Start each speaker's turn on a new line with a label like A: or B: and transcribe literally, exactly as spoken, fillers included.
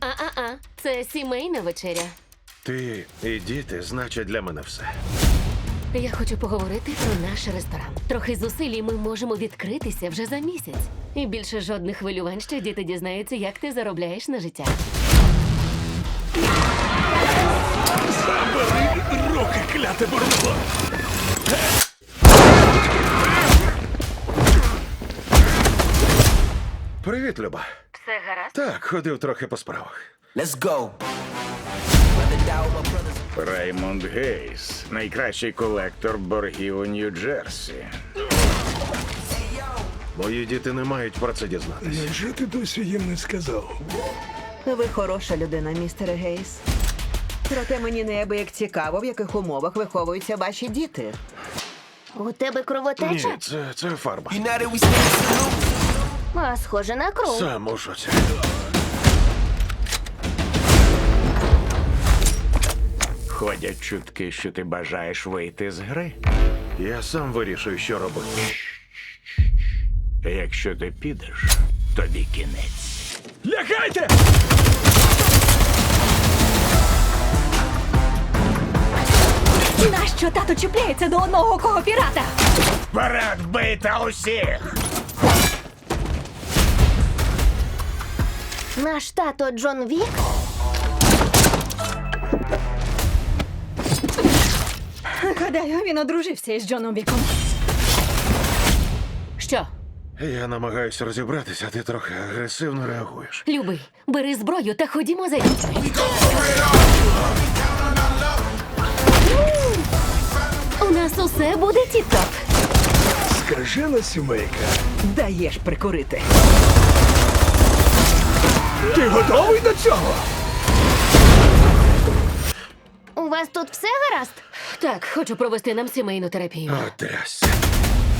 A: А-а-а, це сімейна вечеря.
B: Ти і діти значать для мене все.
A: Я хочу поговорити про наш ресторан. Трохи зусиль, і ми можемо відкритися вже за місяць. І більше жодних хвилювань, що діти дізнаються, як ти заробляєш на життя.
C: Забери руки, кляте бурбо!
B: Привіт, Люба.
A: Все гаразд?
B: Так, ходив трохи по справах.
D: Let's go.
C: Раймонд Гейс, найкращий колектор боргів у Нью-Джерсі.
B: Мої діти не мають про це дізнатися.
E: Невже ти досі їм не сказав?
F: Ви хороша людина, містере Гейс. Проте мені неабияк цікаво, в яких умовах виховуються ваші діти.
G: У тебе кровотеча?
B: Ні, це, це фарба.
D: United we stand salute.
G: А, схоже на кров.
B: Сам у шоці.
C: Ходять чутки, що ти бажаєш вийти з гри.
B: Я сам вирішую, що робити.
C: Якщо ти підеш, тобі кінець. Лягайте!
A: Нащо тато чіпляється до одного кого пірата?
C: Вперед бийте усіх!
G: Наш тато Джон Вік?
A: Гадаю, він одружився із Джоном Віком. Що?
B: Я намагаюся розібратися, а ти трохи агресивно реагуєш.
A: Любий, бери зброю та ходімо за дітьми. У нас усе буде тіп-топ.
E: Скажена сімейка.
F: Даєш прикурити.
E: Ти готовий до цього?
G: У вас тут все гаразд?
A: Так, хочу провести нам сімейну терапію.
B: О, трясся.